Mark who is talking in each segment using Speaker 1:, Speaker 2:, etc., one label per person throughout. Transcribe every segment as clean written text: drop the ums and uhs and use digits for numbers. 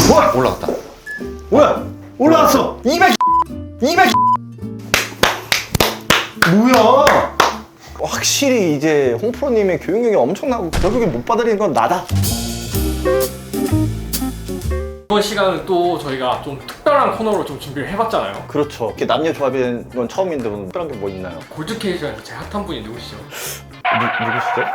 Speaker 1: 우와!
Speaker 2: 올라갔다.
Speaker 1: 뭐야? 올라왔어! 200! 뭐야? 확실히 이제 홍프로님의 교육력이 엄청나고 결국에 못 받아들이는 건 나다.
Speaker 3: 이번 시간은 또 저희가 좀 특별한 코너로 좀 준비를 해봤잖아요.
Speaker 1: 그렇죠. 이렇게 남녀 조합인 건 처음인데 오늘 특별한 게 뭐 있나요?
Speaker 3: 골드케이션에서 제일 핫한 분이 누구시죠?
Speaker 1: 누구시죠?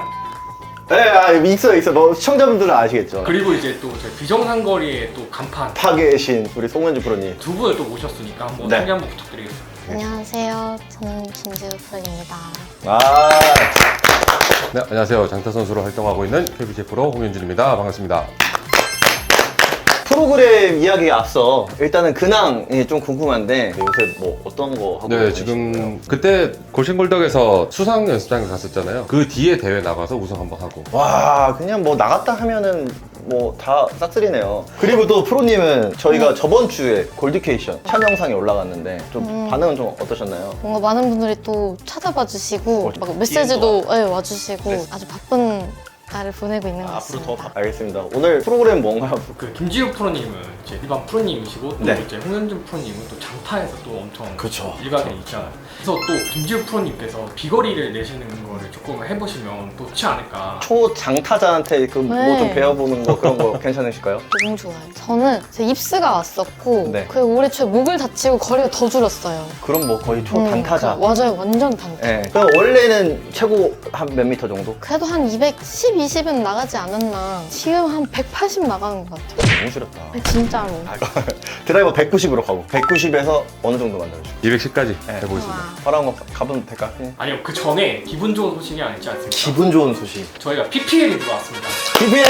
Speaker 1: 네, 있어. 뭐 시청자분들은 아시겠죠.
Speaker 3: 그리고 이제 또 저희 비정상거리의 또 간판
Speaker 1: 파괴의 신 우리 송은주 프로님.
Speaker 3: 두 분을 또 모셨으니까 한번
Speaker 1: 네.
Speaker 3: 소개 한번 부탁드리겠습니다.
Speaker 4: 안녕하세요. 저는 김지우 프로입니다.
Speaker 1: 아,
Speaker 2: 네, 안녕하세요. 장타 선수로 활동하고 있는 KBJ 프로 홍현준입니다. 반갑습니다.
Speaker 1: 프로그램 이야기에 앞서 일단은 근황이 좀 궁금한데 요새 뭐 어떤 거 하고
Speaker 2: 네,
Speaker 1: 계신가요?
Speaker 2: 지금 그때 골신골덕에서 수상 연습장에 갔었잖아요. 그 뒤에 대회 나가서 우승 한번 하고.
Speaker 1: 와, 그냥 뭐 나갔다 하면은 뭐 다 싹쓸이네요. 그리고 또 프로님은 저희가 저번 주에 골드케이션 촬영 영상이 올라갔는데 좀 반응은 좀 어떠셨나요?
Speaker 4: 뭔가 많은 분들이 또 찾아봐 주시고 막 메시지도 와주시고 아주 바쁜 날을 보내고 있는 것 같습니다.
Speaker 1: 알겠습니다. 오늘 프로그램 뭔가요?
Speaker 3: 그 김지우 프로님은 이제 일반 프로님이시고 또
Speaker 1: 네.
Speaker 3: 이제 홍현준 프로님은 또 장타에서 또 엄청
Speaker 1: 그쵸.
Speaker 3: 일각에 있잖아요. 그래서 또 김지우 프로님께서 비거리를 내시는 거를 조금 해보시면 또 좋지 않을까.
Speaker 1: 초 장타자한테 그 뭐 좀
Speaker 4: 네.
Speaker 1: 배워보는 거 그런 거 괜찮으실까요?
Speaker 4: 너무 좋아요. 저는 제 입스가 왔었고
Speaker 1: 네.
Speaker 4: 그 올해 초에 목을 다치고 거리가 더 줄었어요.
Speaker 1: 그럼 뭐 거의 초 단타자.
Speaker 4: 맞아요. 완전 단타.
Speaker 1: 네. 그럼 원래는 최고 한 몇 미터 정도?
Speaker 4: 그래도 한 210, 20은 나가지 않았나. 지금 한 180 나가는 것 같아요.
Speaker 1: 너무 싫었다.
Speaker 4: 진짜로.
Speaker 1: 드라이버 190으로 가고 190에서 어느 정도 만들어주고
Speaker 2: 210까지
Speaker 1: 네.
Speaker 2: 해보겠습니다.
Speaker 4: 와.
Speaker 1: 바로 한번 가보면 될까?
Speaker 3: 아니요, 그 전에 기분 좋은 소식이 아니지 않습니까?
Speaker 1: 기분 좋은 소식.
Speaker 3: 저희가 PPL이 들어왔습니다.
Speaker 1: PPL!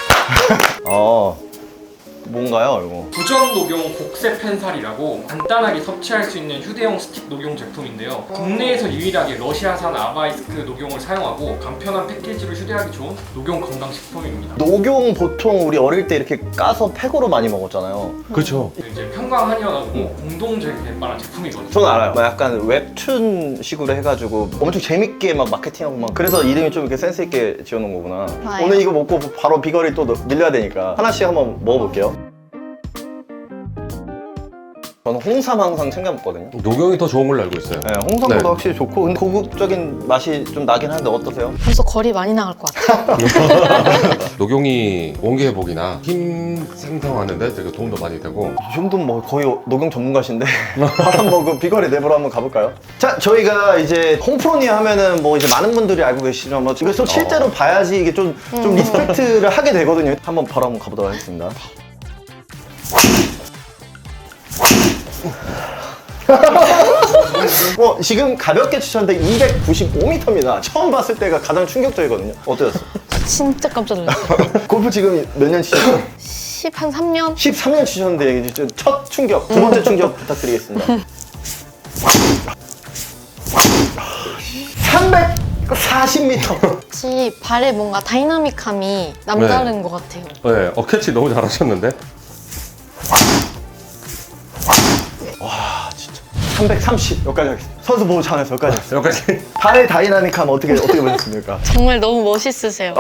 Speaker 1: 뭔가요 이거?
Speaker 3: 부전 녹용 곡세 펜살이라고 간단하게 섭취할 수 있는 휴대용 스틱 녹용 제품인데요. 국내에서 유일하게 러시아산 아바이스크 녹용을 사용하고 간편한 패키지로 휴대하기 좋은 녹용 건강식품입니다.
Speaker 1: 녹용 보통 우리 어릴 때 이렇게 까서 팩으로 많이 먹었잖아요.
Speaker 2: 그렇죠.
Speaker 3: 이제 평강한의원하고 공동 개발한 제품이거든요.
Speaker 1: 저는 알아요. 막 약간 웹툰 식으로 해가지고 엄청 재밌게 막 마케팅하고 막 그래서 이름이 좀 이렇게 센스 있게 지어놓은 거구나.
Speaker 4: 맞아요.
Speaker 1: 오늘 이거 먹고 바로 비거리 또 늘려야 되니까 하나씩 한번 먹어볼게요. 저는 홍삼 항상 챙겨 먹거든요.
Speaker 2: 녹용이 더 좋은 걸로 알고 있어요.
Speaker 1: 네, 홍삼보다
Speaker 2: 네.
Speaker 1: 확실히 좋고 근데 고급적인 맛이 좀 나긴 하는데 어떠세요?
Speaker 4: 벌써 거리 많이 나갈 것 같아요.
Speaker 2: 녹용이 원기 회복이나 힘 생성하는데 되게 도움도 많이 되고.
Speaker 1: 이 정도면 뭐 거의 녹용 전문가신데 한번 그 비거리 내부로 한번 가볼까요? 자, 저희가 이제 홍프로님 하면은 뭐 이제 많은 분들이 알고 계시지만 뭐 이거 또 실제로 봐야지 이게 좀 리스펙트를 하게 되거든요. 한번 바로 한번 가보도록 하겠습니다. 지금 가볍게 치셨는데 295m입니다. 처음 봤을 때가 가장 충격적이거든요. 어떠셨어요?
Speaker 4: 진짜 깜짝 놀랐어요.
Speaker 1: 골프 지금 몇 년 치셨어요?
Speaker 4: 한 3년?
Speaker 1: 13년 치셨는데 이제 첫 충격, 두 번째 충격 부탁드리겠습니다. 340m.
Speaker 4: 혹시 발에 뭔가 다이나믹함이 남다른 것 같아요.
Speaker 2: 네, 캐치 너무 잘하셨는데.
Speaker 1: 330 여기까지 하겠습니다. 선수 보호 차원에서 여기까지 하겠습니다.
Speaker 2: 여기까지.
Speaker 1: 발의 다이나믹함 어떻게 보셨습니까?
Speaker 4: 정말 너무 멋있으세요.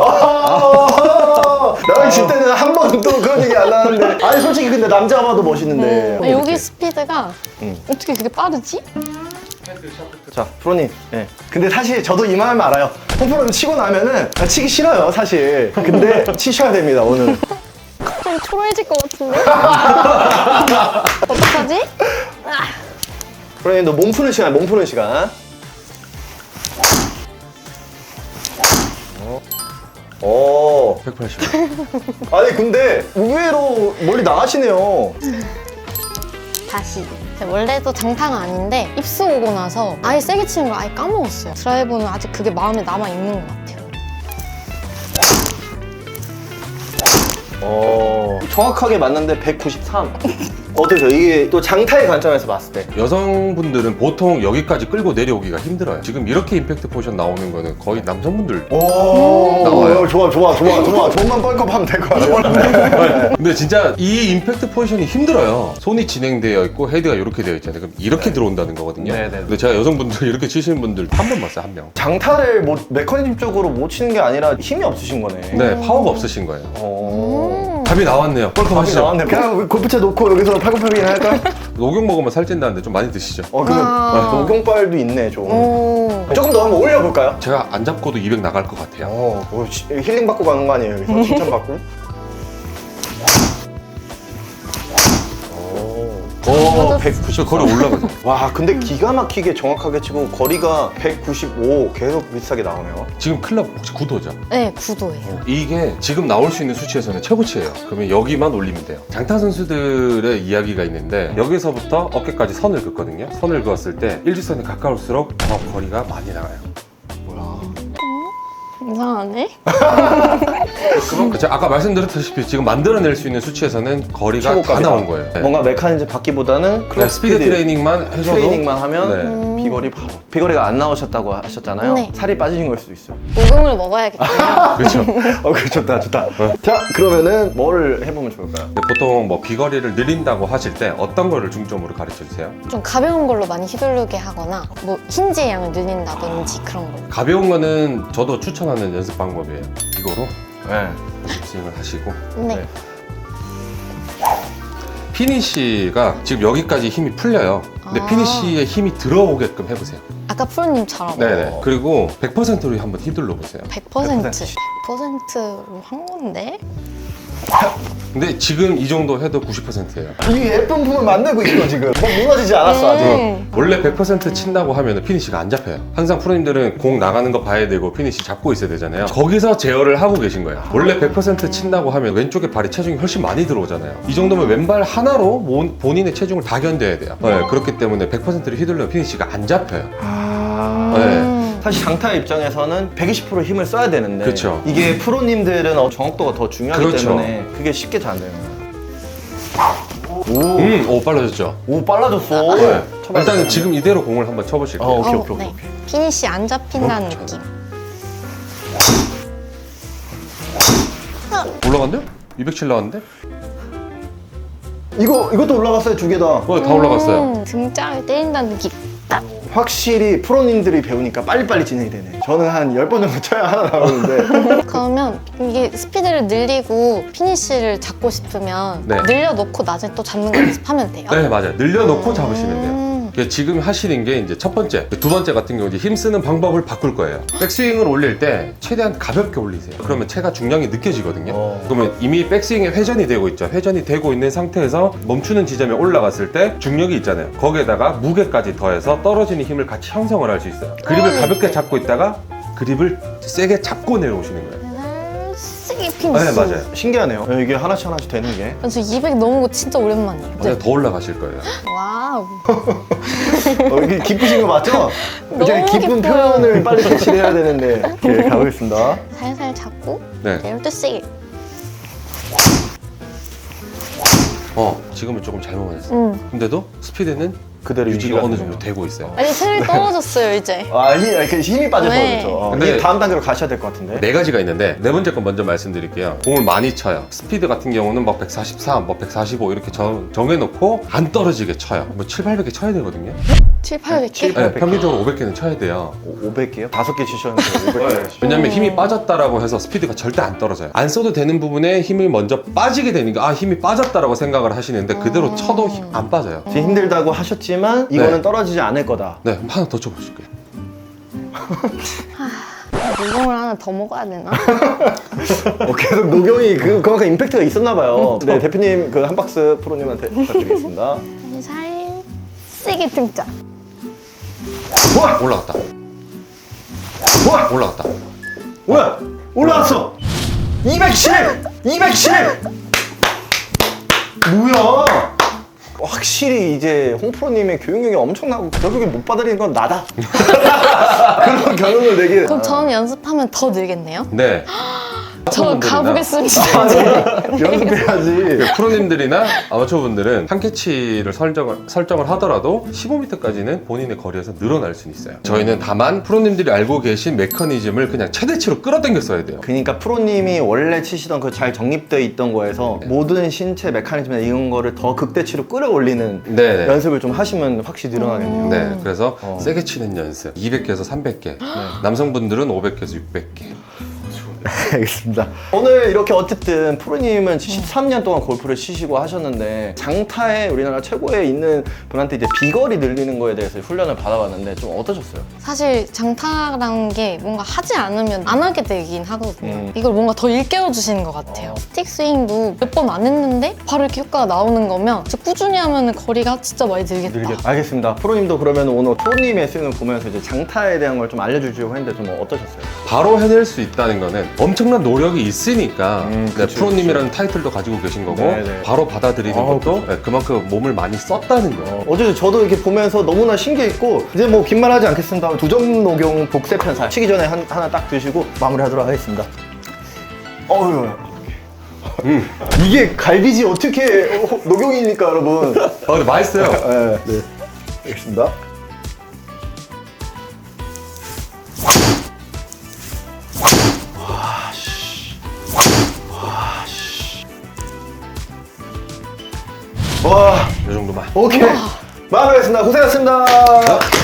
Speaker 1: 나랑 칠 때는 한 번도 그런 얘기 안 하는데 아니 솔직히 근데 남자가 봐도 멋있는데
Speaker 4: 아, 여기 스피드가 어떻게 그렇게 빠르지?
Speaker 1: 자 프로님 근데 사실 저도 이 마음 알아요. 홍프로는 치고 나면은 치기 싫어요 사실. 근데 치셔야 됩니다 오늘.
Speaker 4: 갑자기 초라해질 것 같은데? 어떡하지?
Speaker 1: 프로님도 몸 푸는 시간, 몸 푸는 시간. 오.
Speaker 2: 180.
Speaker 1: 아니 근데 의외로 멀리 나가시네요.
Speaker 4: 다시. 원래도 장타가 아닌데 입수 오고 나서 아예 세게 치는 걸 아예 까먹었어요. 드라이버는 아직 그게 마음에 남아있는 것 같아요.
Speaker 1: 정확하게 맞는데 193. 어떠세요? 이게 또 장타의 관점에서 봤을 때.
Speaker 2: 여성분들은 보통 여기까지 끌고 내려오기가 힘들어요. 지금 이렇게 임팩트 포션 나오는 거는 거의 남성분들.
Speaker 1: 나와요. 좋아. 돈만 뻘컵하면 될 것 같아요.
Speaker 2: 근데 진짜 이 임팩트 포지션이 힘들어요. 손이 진행되어 있고 헤드가 이렇게 되어 있잖아요. 그럼 이렇게 들어온다는 거거든요.
Speaker 1: 네네.
Speaker 2: 근데 제가 여성분들 이렇게 치시는 분들 한 번 봤어요, 한 명.
Speaker 1: 장타를 메커니즘적으로 못 치는 게 아니라 힘이 없으신 거네.
Speaker 2: 네, 파워가 없으신 거예요.
Speaker 1: 어.
Speaker 2: 한 답이 나왔네요.
Speaker 1: 답이
Speaker 2: 뻘쭘하시죠?
Speaker 1: 나왔네. 그냥 골프채 놓고 여기서 팔굽혀펴기나 할까?
Speaker 2: 녹용 먹으면 살찐다는데 좀 많이 드시죠?
Speaker 1: 근데 녹용빨도 있네 좀.
Speaker 4: 오.
Speaker 1: 조금 더 한번 올려볼까요?
Speaker 2: 제가 안 잡고도 200 나갈 것 같아요.
Speaker 1: 힐링 받고 가는 거 아니에요? 여기서 칭찬 받고. 오, 190.
Speaker 2: 저 거리 올라가죠.
Speaker 1: 와, 근데 기가 막히게 정확하게 치고 거리가 195 계속 비슷하게 나오네요.
Speaker 2: 지금 클럽 혹시 9도죠?
Speaker 4: 네, 9도예요.
Speaker 2: 이게 지금 나올 수 있는 수치에서는 최고치예요. 그러면 여기만 올리면 돼요. 장타 선수들의 이야기가 있는데 여기서부터 어깨까지 선을 긋거든요. 선을 그었을 때 일직선에 가까울수록 더 거리가 많이 나가요.
Speaker 4: 이상하네?
Speaker 2: 제가 아까 말씀드렸다시피 지금 만들어낼 수 있는 수치에서는 거리가 다
Speaker 1: 최고값이다.
Speaker 2: 나온 거예요. 네.
Speaker 1: 뭔가 메커니즘 받기보다는
Speaker 2: 그냥 스피드 트레이닝만 해줘도
Speaker 1: 트레이닝만 하면 비거리 바로. 비거리가 안 나오셨다고 하셨잖아요.
Speaker 4: 네.
Speaker 1: 살이 빠지신 걸 수도 있어요.
Speaker 4: 녹용을 먹어야겠군요.
Speaker 2: 그렇죠.
Speaker 1: 그래, 좋다, 좋다. 자, 그러면은 뭘 해보면 좋을까요?
Speaker 2: 근데 보통 뭐 비거리를 늘린다고 하실 때 어떤 거를 중점으로 가르쳐 주세요?
Speaker 4: 좀 가벼운 걸로 많이 휘두르게 하거나 뭐 힌지의 양을 늘린다든지 그런 거.
Speaker 2: 가벼운 거는 저도 추천하는 연습 방법이에요. 이거로
Speaker 1: 네.
Speaker 2: 스윙을 하시고
Speaker 4: 네.
Speaker 1: 네.
Speaker 2: 피니쉬가 지금 여기까지 힘이 풀려요. 근데
Speaker 4: 아.
Speaker 2: 피니쉬에 힘이 들어오게끔 해보세요.
Speaker 4: 아까 프로님처럼
Speaker 2: 네네. 그리고 100%로 한번 휘둘러 보세요.
Speaker 4: 100%로 한 건데?
Speaker 2: 근데 지금 이 정도 해도 90%예요.
Speaker 1: 이 예쁜 품을 만들고 있어, 지금. 뭐 무너지지 않았어, 아직.
Speaker 2: 원래 100% 친다고 하면 피니쉬가 안 잡혀요. 항상 프로님들은 공 나가는 거 봐야 되고 피니쉬 잡고 있어야 되잖아요. 거기서 제어를 하고 계신 거예요. 원래 100% 친다고 하면 왼쪽에 발이 체중이 훨씬 많이 들어오잖아요. 이 정도면 왼발 하나로 본인의 체중을 다 견뎌야 돼요. 네, 그렇기 때문에 100%를 휘둘러면 피니쉬가 안 잡혀요. 네.
Speaker 1: 사실 장타 입장에서는 120% 힘을 써야 되는데
Speaker 2: 그쵸.
Speaker 1: 이게 프로님들은 정확도가 더 중요하기
Speaker 2: 그렇죠.
Speaker 1: 때문에 그게 쉽게 잘 안 되는 거예요.
Speaker 2: 오, 빨라졌죠?
Speaker 1: 오, 빨라졌어.
Speaker 2: 네.
Speaker 1: 쳐봐야
Speaker 2: 일단은
Speaker 1: 돼.
Speaker 2: 지금 이대로 공을 한번 쳐보실게요.
Speaker 1: 오케이, 오케이, 오케이.
Speaker 4: 네. 피니시 안 잡힌다는 느낌.
Speaker 2: 올라갔네요? 207 나왔는데?
Speaker 1: 이것도 올라갔어요, 두 개 다.
Speaker 2: 다 올라갔어요.
Speaker 4: 등짝을 때린다는 느낌.
Speaker 1: 확실히 프로님들이 배우니까 빨리빨리 진행이 되네. 저는 한 10번 정도 쳐야 하나 나오는데.
Speaker 4: 그러면 이게 스피드를 늘리고 피니시를 잡고 싶으면
Speaker 2: 네.
Speaker 4: 늘려놓고 나중에 또 잡는 거 연습하면 돼요?
Speaker 2: 네, 맞아요. 늘려놓고 잡으시면 돼요. 지금 하시는 게 이제 첫 번째, 두 번째 같은 경우 이제 힘 쓰는 방법을 바꿀 거예요. 백스윙을 올릴 때 최대한 가볍게 올리세요. 그러면 체가 중량이 느껴지거든요. 그러면 이미 백스윙에 회전이 되고 있죠. 회전이 되고 있는 상태에서 멈추는 지점에 올라갔을 때 중력이 있잖아요. 거기에다가 무게까지 더해서 떨어지는 힘을 같이 형성을 할 수 있어요. 그립을 가볍게 잡고 있다가 그립을 세게 잡고 내려오시는 거예요.
Speaker 4: 세게 피니시.
Speaker 2: 네, 맞아요.
Speaker 1: 신기하네요. 이게 하나씩 하나씩 되는 게.
Speaker 4: 저 200 넘은 거 진짜 오랜만이에요.
Speaker 2: 맞아요. 더 올라가실 거예요.
Speaker 4: 와우.
Speaker 1: 이게 기쁘신 거 맞죠? 이제
Speaker 4: 너무
Speaker 1: 기쁜
Speaker 4: 기뻐요.
Speaker 1: 표현을 빨리 대치를 해야 되는데. 네, 가보겠습니다.
Speaker 4: 살살 잡고
Speaker 2: 네.
Speaker 4: 내릴 때 세게.
Speaker 2: 지금은 조금 잘못 맞았어요. 근데도 스피드는
Speaker 1: 그대로
Speaker 2: 유지가 어느
Speaker 1: 되는
Speaker 2: 정도
Speaker 1: 거죠.
Speaker 2: 되고 있어요.
Speaker 4: 아니 체력이 떨어졌어요 이제.
Speaker 1: 힘이 빠져서
Speaker 4: 네.
Speaker 1: 그렇죠.
Speaker 2: 근데
Speaker 1: 이게 다음 단계로 가셔야 될 것 같은데.
Speaker 2: 네 가지가 있는데 네 번째 건 먼저 말씀드릴게요. 공을 많이 쳐요. 스피드 같은 경우는 막 143, 뭐 145 이렇게 정해놓고 안 떨어지게 쳐요. 뭐 7, 800개 쳐야 되거든요.
Speaker 4: 7, 800개?
Speaker 1: 7,
Speaker 2: 네, 평균적으로 500개는 쳐야 돼요.
Speaker 1: 500개요? 5개 치셨는데 500개.
Speaker 2: 왜냐면 힘이 빠졌다라고 해서 스피드가 절대 안 떨어져요. 안 써도 되는 부분에 힘이 먼저 빠지게 되니까 힘이 빠졌다라고 생각을 하시는데 그대로 쳐도 힘 안 빠져요.
Speaker 1: 지금 힘들다고 하셨지만 이거는
Speaker 2: 네.
Speaker 1: 떨어지지 않을 거다.
Speaker 2: 네, 하나 더 쳐보실게요.
Speaker 4: 녹용을 하나 더 먹어야 되나?
Speaker 1: 계속 녹용이 그만큼 임팩트가 있었나 봐요. 네, 대표님 그 한 박스 프로님한테 부탁드리겠습니다.
Speaker 4: 살살 세게 등짝.
Speaker 2: 올라갔다. 올라갔다.
Speaker 1: 뭐야? 올라왔어! 210! 210! 뭐야? 확실히 이제 홍프로님의 교육력이 엄청나고 결국에 못 받아들이는 건 나다. 그런 경험을 내게.
Speaker 4: 그럼 저는 연습하면 더 늘겠네요?
Speaker 2: 네.
Speaker 4: 저 가보겠습니다.
Speaker 1: 연습해야지.
Speaker 2: 프로님들이나 아마추어분들은 한 캐치를 설정을 하더라도 15m까지는 본인의 거리에서 늘어날 수는 있어요. 저희는 다만 프로님들이 알고 계신 메커니즘을 그냥 최대치로 끌어당겨 써야 돼요.
Speaker 1: 그러니까 프로님이 원래 치시던 그 잘 정립되어 있던 거에서 모든 신체 메커니즘이나 이런 거를 더 극대치로 끌어올리는
Speaker 2: 네네.
Speaker 1: 연습을 좀 하시면 확실히 늘어나겠네요.
Speaker 2: 네, 그래서 세게 치는 연습 200개에서 300개 남성분들은 500개에서 600개
Speaker 1: 알겠습니다. 오늘 이렇게 어쨌든 프로님은 13년 동안 골프를 치시고 하셨는데 장타에 우리나라 최고에 있는 분한테 이제 비거리 늘리는 거에 대해서 훈련을 받아봤는데 좀 어떠셨어요?
Speaker 4: 사실 장타라는 게 뭔가 하지 않으면 안 하게 되긴 하거든요. 이걸 뭔가 더 일깨워 주시는 것 같아요. 스틱 스윙도 몇 번 안 했는데 바로 이렇게 효과가 나오는 거면 진짜 꾸준히 하면 거리가 진짜 많이 늘겠다.
Speaker 1: 알겠습니다. 프로님도 그러면 오늘 프로님의 스윙을 보면서 이제 장타에 대한 걸 좀 알려주려고 했는데 좀 어떠셨어요?
Speaker 2: 바로 해낼 수 있다는 거는 엄청난 노력이 있으니까 네,
Speaker 1: 그쵸,
Speaker 2: 프로님이라는 타이틀도 가지고 계신 거고
Speaker 1: 네네.
Speaker 2: 바로 받아들이는 것도 네, 그만큼 몸을 많이 썼다는 거예요.
Speaker 1: 어제 저도 이렇게 보면서 너무나 신기했고 이제 뭐 긴 말 하지 않겠습니다. 2점 녹용 복세 편살 치기 전에 하나 딱 드시고 마무리하도록 하겠습니다. 어휴. 이게 갈비지 어떻게 녹용이니까 여러분.
Speaker 2: 근데 맛있어요.
Speaker 1: 네. 알겠습니다. 와,
Speaker 2: 이 정도만.
Speaker 1: 오케이. 마무리하겠습니다. 고생하셨습니다.